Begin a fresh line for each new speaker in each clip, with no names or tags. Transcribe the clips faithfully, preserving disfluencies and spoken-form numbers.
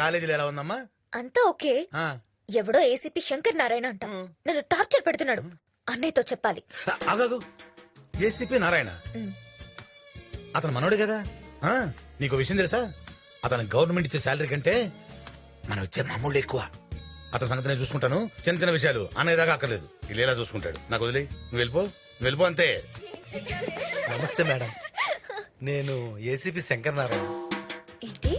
కాలేజీలో ఎలా ఉందమ్మా?
అంతా ఓకే.
ఆ,
ఎవడో ఏసీపీ శంకర్ నారాయణ అంట నన్ను టార్చర్ పెడుతున్నాడు. అన్నయ్యతో చెప్పాలి.
ఆగాగు. ఏసీపీ నారాయణ అతను మనోడు కదా. ఆ, నీకు విషయం తెలుసా? అతను గవర్నమెంట్ ఇచ్చే శాలరీ కంటే మనం ఇచ్చే మామూలు ఎక్కువ. అతని సంగతి నేను చూసుకుంటాను. చిన్న చిన్న విషయాలు అన్నయ్య దాకా అక్కర్లేదు. ఇల్లు ఎలా చూసుకుంటాడు. నాకు వదిలే, నువ్వు వెళ్ళిపో, నువ్వు వెళ్ళిపో అంతే.
నమస్తే మేడం, నేను ఏసీపీ శంకర్ నారాయణ.
ఏంటి,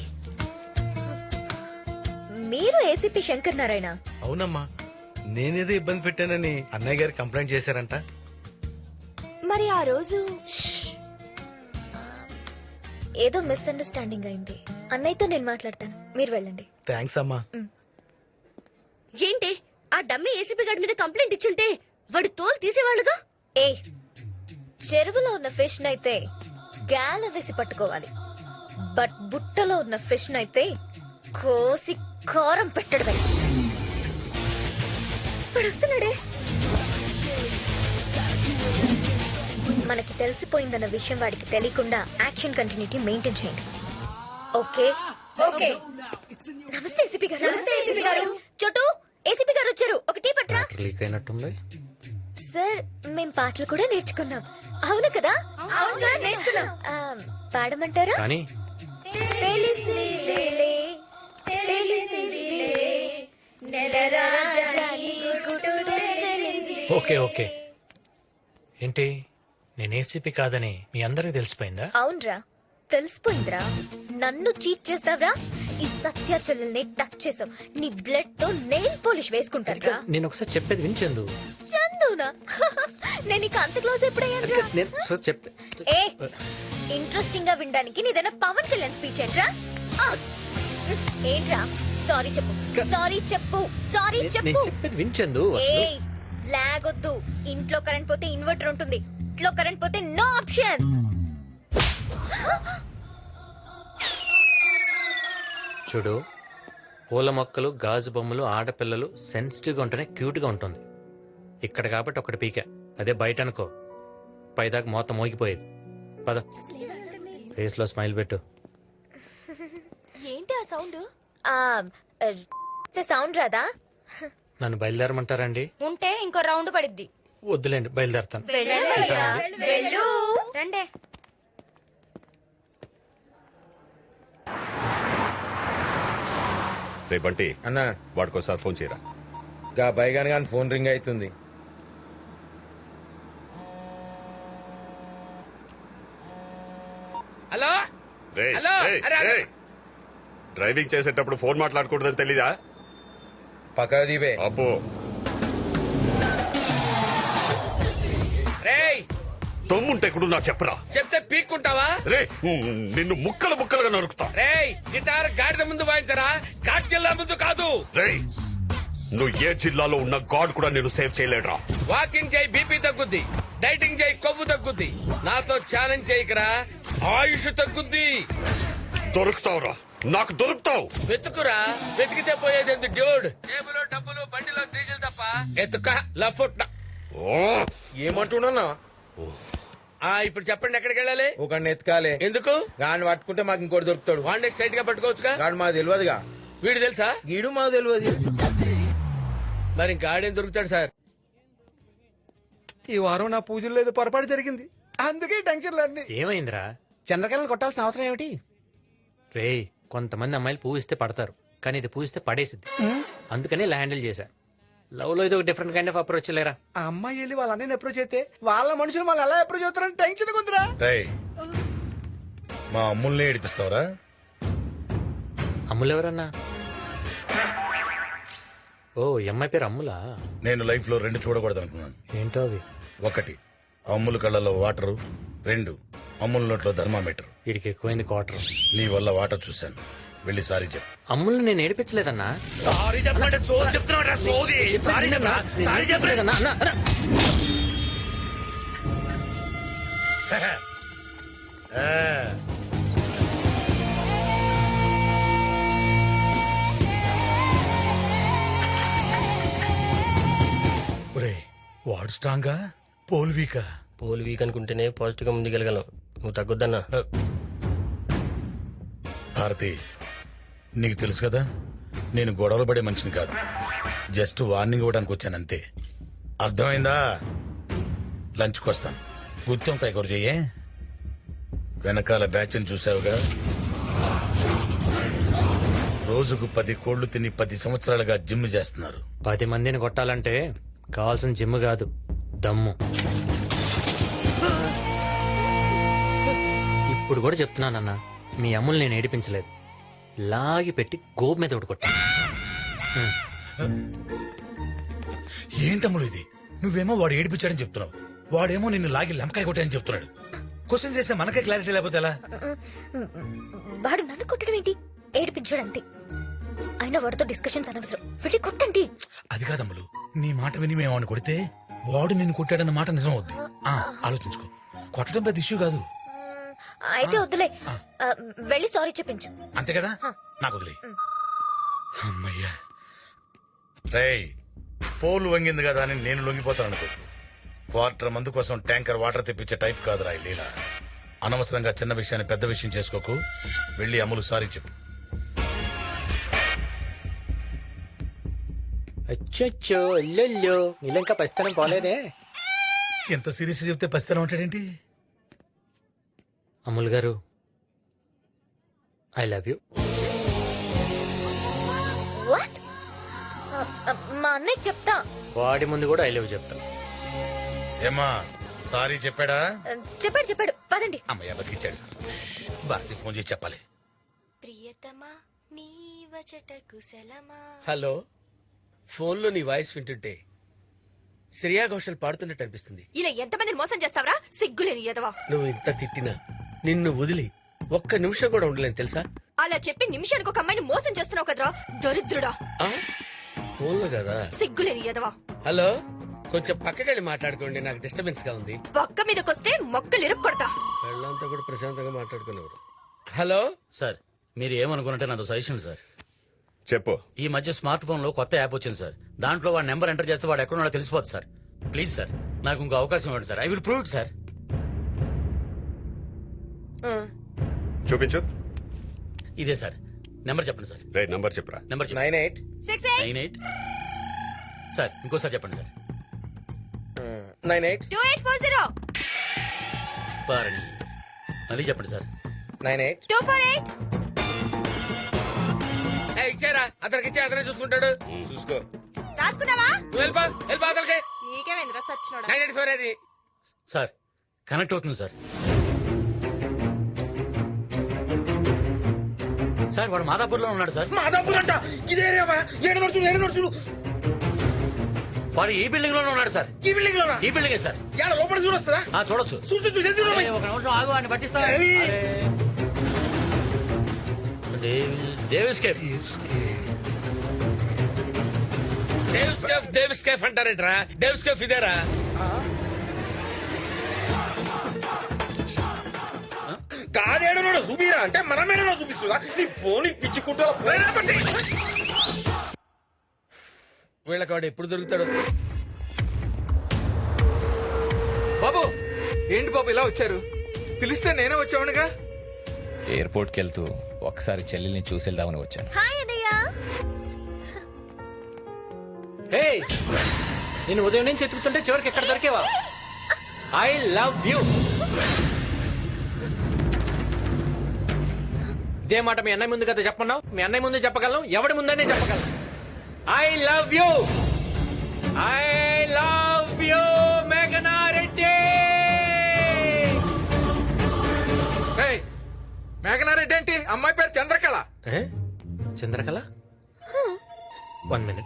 మీరు ఏసీపీ శంకర్ నారాయణ?
అవునమ్మా, నేనేదో ఇబ్బంది పెట్టానని అన్నయ్య గారు కంప్లైంట్ చేశారంట.
మరి ఆ రోజు
ఏదో మిస్అండర్స్టాండింగ్ అయింది. అన్నయ్యతో నేను మాట్లాడతాను, మీరు వెళ్ళండి.
థ్యాంక్స్ అమ్మా.
ఏంటి ఆ డమ్మీ ఏసీపీ గారి మీద కంప్లైంట్ ఇచ్చుంటే వాడు తోలు తీసేవాళ్ళుగా.
ఏ చెరువులో ఉన్న ఫిష్ నైతే గాల వేసి పట్టుకోవాలి, బట్ బుట్టలో ఉన్న ఫిష్ నైతే కోసి కారం పెట్టడమే. వాడు వస్తున్నాడే. మనకి తెలిసిపోయిందన్న విషయం వాడికి తెలియకుండా యాక్షన్ కంటిన్యూటీ మెయింటైన్ చేయండి. Okay okay. నమస్తే ఏసీపీ గారు. నమస్తే ఏసీపీ గారు. చోటు, ఏసీపీ గారు వచ్చారు. ఒక టీ పట్రా.
లీక్ అయినట్టుంది
సార్. మేం పాటలు కూడా నేర్చుకున్నాం. అవును కదా? అవును సార్, నేర్చుకున్నాం. ఆ, పాడమంటారా?
కానీ
తెలిసిలేలే, తెలిసిలేలే, నెలరాజాని గుడుడు తెలిసి.
Okay okay. ఏంటి, నేను ఏసీపీ కాదని మీ అందరికి తెలిసిపోయిందా?
అవునరా, తెలిసిపోయిందిరా. నన్ను చీట్ చేస్తావరా? ఈ సత్య చెల్లెల్ని టచ్ చేసావు, నీ బ్లడ్ తో నెయిల్ పాలిష్ వేసుకుంటారా?
నేను ఒకసారి చెప్పేది వినిచెందు.
చందునా? నేను ఇక అంత క్లోజ్ ఎప్పుడయ్యాను?
నేను ఒకసారి చెప్పే
ఏ ఇంట్రెస్టింగ్ గా వినడానికి నీదైనా పవన్ కళ్యాణ్ స్పీచ్ ఏంట్రా? ఆ! ఏంట్రా? సారీ చెప్పు, సారీ చెప్పు, సారీ
నేను
చెప్పు.
చెప్పేది వినిచెందు.
ఏ లాగొద్దు. ఇంట్లో కరెంట్ పోతే ఇన్వర్టర్ ఉంటుంది, ఇంట్లో కరెంట్ పోతే నో ఆప్షన్.
చూడు, పూల మొక్కలు, గాజు బొమ్మలు, ఆడపిల్లలు సెన్సిటివ్ గా ఉంటేనే క్యూట్ గా ఉంటుంది. ఇక్కడ కాబట్టి ఒకటి పీక, అదే బయట అనుకో పైదాకా మోత మోగిపోయేది. పద, ఫేస్ లో స్మైల్ పెట్టు.
ఏంటి ఆ సౌండ్?
ఆ సౌండ్ రాదా?
నన్ను బయలుదేరమంటారండి?
ఉంటే ఇంకో రౌండ్ పడిద్ది.
వద్దులేండి, బయలుదేరతాను.
వెళ్ళయ్యా, వెళ్ళు.
రండే.
రే బంటి
అన్నా,
వాడికోసారి ఫోన్ చేయరా.
గా బైగాన్ గాని ఫోన్ రింగ్ అవుతుంది.
హలో
రే
హలో,
రే,
అరే, అరే.
రే. డ్రైవింగ్ చేసేటప్పుడు ఫోన్ మాట్లాడకూడదని తెలీదా?
పక్క దీపే.
అబ్బో,
రేయ్,
తమ్ముంటే కూడా నాకు చెప్పరా.
చెప్తే పీక్కుంటావా?
రే నిన్ను ముక్కలు ముక్కలుగా నరుకుతా.
రేయ్, గిటార్ గాడిద ముందు వాయించరా, ఘాట్ జిల్లా ముందు కాదు.
రే నువ్వు ఏ జిల్లాలో ఉన్న గాడ్ కూడా నేను సేవ్ చేయలేడురా.
వాకింగ్ చేయి, బీపీ తగ్గుద్ది. డైటింగ్ చేయి, కొవ్వు తగ్గుద్ది. నాతో ఛాలెంజ్ చేయకరా, ఆయుష్ తగ్గుద్ది.
దొరుకుతావురా, నాకు దొరుకుతావు.
వెతుకురా, వెతికితే పోయేది ఎందుకు డ్యూడ్? టేబుల్ డబ్బులు బండిలో డీజిల్ తప్ప ఎత్తుక లఫుట్.
ఓ,
ఏమంటున్నా?
ఆ ఇప్పుడు చెప్పండి, ఎక్కడికి వెళ్ళాలి?
ఒక ఎత్కాలే.
ఎందుకు?
గాని పట్టుకుంటే మాకు ఇంకోటి దొరుకుతాడు.
వాడిని స్ట్రైట్ గా పట్టుకోవచ్చుగా.
గాడు మాకు తెలియదుగా.
వీడు తెలుసా?
గీడు మాకు తెలియదు.
మరి ఇంకా ఆడేం దొరుకుతాడు సార్?
ఈ వారం నా పూజల్లో ఏదో పొరపాటు జరిగింది, అందుకే టెన్షన్లు అన్ని.
ఏమైందిరా?
చంద్రకళను కొట్టాల్సిన అవసరం ఏమిటి?
రేయ్, కొంతమంది అమ్మాయిలు పూజిస్తే పడతారు, కానీ ఇది పూజిస్తే పడేసిద్ది. అందుకని ఇలా హ్యాండిల్ చేశా. లవ్ లో ఇది ఒక డిఫరెంట్ కైండ్ ఆఫ్ అప్రోచ్ లేరా.
ఆ అమ్మాయి వెళ్ళి వాళ్ళ అన్నయ్యని అప్రోచ్ అయితే వాళ్ళ మనుషులు వాళ్ళు ఎలా అప్రోచ్ అవుతారని టెన్షన్ ఉందిరా.
రేయ్, మా అమ్ముల్ని ఏడిపిస్తావరా?
అమ్ములు ఎవరన్నా? ఓ, ఈ అమ్మాయి పేరు అమ్ములా?
నేను లైఫ్ లో రెండు చూడకూడదు అనుకున్నాను.
ఏంటో అవి?
ఒకటి అమ్ముల కళ్ళలో వాటరు, రెండు అమ్ముల నోట్లో థర్మామీటర్.
వీడికి ఎక్కువైంది క్వార్టర్.
నీ వల్ల వాటర్ చూశాను, వెళ్ళి సారీ చెప్పు.
అమ్ముల్ని నేను ఏడిపించలేదన్నా.
సారీ చెప్పండి. సోది చెప్తున్నా, సోది. సారీ చెప్పరా, సారీ
ఏడిపించలేదన్నా, అన్నా, అన్నా.
వాడు స్ట్రాంగా, పోల్ వీకా?
పోల్ వీక్ అనుకుంటేనే పాజిటివ్ గా ముందుకెళ్ళగలం. నువ్వు తగ్గొద్దన్నా.
భారతి, నీకు తెలుసు కదా నేను గొడవలు పడే మనిషిని కాదు, జస్ట్ వార్నింగ్ ఇవ్వడానికి వచ్చాను అంతే. అర్థమైందా? లంచ్కి వస్తాను. గుత్తొంకాయ కూర చెయ్యే. వెనకాల బ్యాచ్ని చూసావుగా, రోజుకు పది కోళ్లు తిని పది సంవత్సరాలుగా జిమ్ చేస్తున్నారు.
పది మందిని కొట్టాలంటే కావాల్సిన జిమ్ కాదు, దమ్ము. ఇప్పుడు కూడా చెప్తున్నానన్నా, మీ అమ్ములు నేను ఏడిపించలేదు. లాగి పెట్టి గోపు మీద ఒకటి కొట్టా.
ఏంటమ్ముడు ఇది? నువ్వేమో వాడు ఏడిపించాడని చెప్తున్నావు, వాడేమో నిన్ను లాగి లెంకాయ కొట్టాయని చెప్తున్నాడు. క్వశ్చన్ చేస్తే మనకే క్లారిటీ లేకపోతే ఎలా?
వాడు నన్ను కొట్టడం ఏంటి? ఏడిపించాడు అంతే. అయినా వాడితో డిస్కషన్స్ అనవసరం, వెళ్ళి కొట్టండి.
అది కాదమ్ములు, నీ మాట విని మేము వాడిని కొడితే వాడు నిన్ను కొట్టాడన్న మాట నిజం అవుద్ది. ఆ, ఆలోచించుకో. కొట్టడం పెద్ద ఇష్యూ కాదు.
అయితే వద్దులే, ఆ, వెళ్ళి సారీ చెప్పించు.
అంతే కదా? నాకు వదిలే. అమ్మయ్యా. రేయ్, పోలు వంగింది కదా అని నేను లొంగిపోతాను అనుకో. క్వార్టర్ మందు కోసం ట్యాంకర్ వాటర్ తెప్పించే టైప్ కాదురా ఈ లీల. అనవసరంగా చిన్న విషయాన్ని పెద్ద విషయం చేసుకోకు. వెళ్ళి అమ్ములు సారీ చెప్పు.
అచ్చో అల్లెల్లో నీళ్ళంకా పరిస్థితి పోలేదే.
ఎంత సీరియస్ చెప్తే పసితనం ఉంటాడేంటి?
అమ్ముల్ గారు, ఐ లవ్ యూ.
వాట్? మా అన్నయ్య చెప్తా.
వాడి ముందు కూడా ఐ లవ్ చెప్తా.
ఏమా సారీ చెప్పాడా?
చెప్పాడు చెప్పాడు, పదండి.
అమ్మయ్య బతికిచ్చాడు. భారతి ఫోన్ చేసి చెప్పాలి.
ప్రియతమా నీ వచట కుశలమా.
హలో, ఫోన్లో నీ వాయిస్ వింటుంటే శ్రేయా ఘోషల్ పాడుతున్నట్టు అనిపిస్తుంది.
ఇలా ఎంతమందిని మోసం చేస్తావరా, సిగ్గులేని ఎదవా.
నువ్వు ఇంత తిట్టినా నిన్ను వదిలి ఒక్క నిమిషం కూడా ఉండలేను తెలుసా?
అలా చెప్పి నిమిషానికి ఒక అమ్మాయిని మోసం చేస్తున్నావు కదరా, దరిద్రుడా.
ఆ? ఫోన్లో కదా.
సిగ్గులేని ఎదవా.
హలో, కొంచెం పక్కకెళ్ళి మాట్లాడుకోండి, నాకు డిస్టర్బెన్స్ గా ఉంది.
పక్క మీదకొస్తే మొక్కలు ఇరుక్కొడతా.
వాళ్ళంతా కూడా ప్రశాంతంగా మాట్లాడుకునేవారు. హలో
సార్, మీరు ఏమనుకున్నట్టే నాతో సజెషన్ సార్.
చెప్పు.
ఈ మధ్య స్మార్ట్ ఫోన్ లో కొత్త యాప్ వచ్చింది సార్. దాంట్లో వాడి నెంబర్ ఎంటర్ చేస్తే వాడు ఎక్కడున్నాడో తెలిసిపోతుంది సార్. ప్లీజ్ సార్, నాకు ఇంకో అవకాశం ఇవ్వండి sir. I will prove it sir.
చూపించు.
ఇదే సార్ నెంబర్, చెప్పండి సార్.
రే నంబర్ చెప్పురా.
నెంబర్ చెప్పండి.
Nine eight
six eight
nine eight sir, ఇంకోసారి చెప్పండి sir.
Nine eight
two eight four zero
బారణి. మళ్ళీ చెప్పండి sir.
Nine eight
two four eight.
ఇచ్చారా? అతనికి ఇచ్చే అతనే చూసుకుంటాడు. చూసుకో.
రాసుకున్నావా?
నువ్వు వెళ్ళిపో, వెళ్ళిపో అతనికి.
నీకేమైందిరా సచ్చినోడా.
Nine eight four eight.
Sir connect అవుతుంది సార్. సార్ వాడు మాదాపూర్ లో ఉన్నాడు సార్.
మాదాపూర్ అంట. ఇదే ఏరియావా? ఏడు నడుచుడు ఏడు నడుచుడు.
వాడు ఈ బిల్డింగ్ లోనే ఉన్నాడు సార్.
ఈ బిల్డింగ్ లోనా?
ఈ బిల్డింగే సార్.
ఏడ లోపల చూడొస్తుందా?
ఆ, చూడొచ్చు.
చూసి చూసి చూడ.
అరే, ఒక నిమిషం ఆగు, వాడిని పట్టిస్తా.
అరే.
Devil- Davis cafe.
Davis cafe Davis cafe అంటారేంట్రా? డేవిస్ కేఫ్ ఇదేరా?
కాడేడనో చూపిరా అంటే మనమేడనో చూపిస్తుందా? నీ ఫోన్ పిచ్చుకుంటా.
వీళ్ళకి వాడు ఎప్పుడు దొరుకుతాడు?
బాబు, ఏంటి బాబు ఇలా వచ్చారు? పిలిస్తే నేనే వచ్చావునుగా.
ఎయిర్పోర్ట్కి వెళ్తూ ఒకసారి చెల్లెల్ని చూసేద్దామని వచ్చాను.
హాయ్ అన్నయ్య.
హే, నేను ఉదయం నుంచి ఎత్తుకుతుంటే చివరికి ఎక్కడ దొరికేవా? I love you. ఇదే మాట మీ అన్నయ్య ముందు కదా చెప్పన్నావు. మీ అన్నయ్య ముందు చెప్పగలను, ఎవడి ముందనే చెప్పగలను. I love you. I love you మేఘనా రెడ్డి.
ఏయ్, మేఘనారెడ్డి ఏంటి? అమ్మాయి పేరు చంద్రకళ.
ఏ? చంద్రకళ? One minute.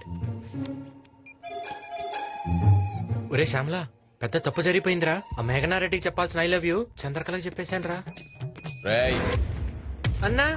ఒరే శ్యామలా, పెద్ద తప్పు జరిగిపోయిందిరా. ఆ మేఘనారెడ్డికి చెప్పాల్సిన ఐ లవ్ యూ చంద్రకళకి చెప్పేశాను రా.
రేయ్,
అన్నా,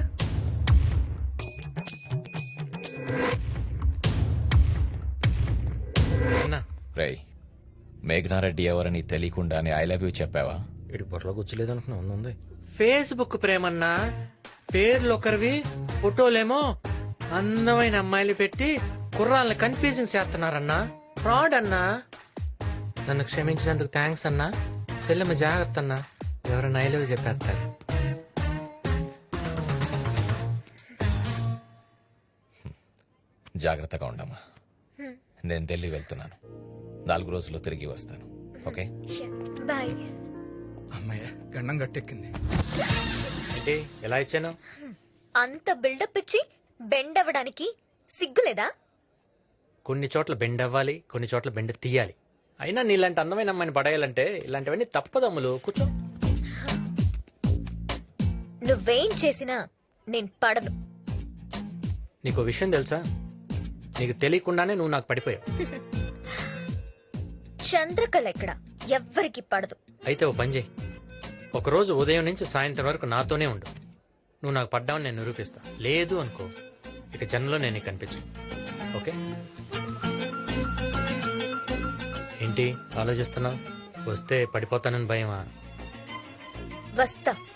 అన్నా,
రేయ్, మేఘనారెడ్డి ఎవరని తెలియకుండానే ఐ లవ్ యూ చెప్పావా?
ఇటు పొరలో కూర్చోలేదు అనుకున్నా, ఉంది ఉంది. ఫేస్బుక్ ప్రేమన్నా, పేర్లు ఒకరివి, ఫోటోలేమో అందమైన అమ్మాయిలు పెట్టి కుర్రాళ్ళని కన్ఫ్యూజింగ్ చేస్తున్నారన్నా. ఫ్రాడ్ అన్నా. నన్ను క్షమించినందుకు థ్యాంక్స్ అన్నా. చెల్లెమ్మ జాగ్రత్త అన్నా, ఎవరైనా ఐ లవ్ చెప్పేస్తారు.
జాగ్రత్తగా ఉండమ్మా నేను ఢిల్లీ వెళ్తున్నాను నాలుగు రోజుల్లో తిరిగి వస్తాను ఓకే
బాయ్.
అమ్మయ్య గండం గట్టెక్కింది.
ఏంటి ఎలా ఇచ్చాను?
అంత బిల్డప్ ఇచ్చి బెండ్ అవ్వడానికి సిగ్గులేదా?
కొన్ని చోట్ల బెండ్ అవ్వాలి, కొన్ని చోట్ల బెండ్ తీయాలి. అయినా నీలాంటి అందమైన అమ్మాయిని పడేయాలంటే ఇలాంటివన్నీ తప్పదమ్ములు. కూర్చో.
నువ్వేం చేసినా నేను పడను.
నీకు విషయం తెలుసా? నీకు తెలియకుండానే నువ్వు నాకు పడిపోయావు.
చంద్రకళ ఎక్కడ ఎవ్వరికి పడదు.
అయితే ఓ పని చేయి, ఒకరోజు ఉదయం నుంచి సాయంత్రం వరకు నాతోనే ఉండు. నువ్వు నాకు పడ్డావని నేను నిరూపిస్తా. లేదు అనుకో, ఇక జన్మలో నేను నీకు కనిపించు. ఓకే? ఏంటి ఆలోచిస్తున్నావు? వస్తే పడిపోతానని భయమా?
వస్తా.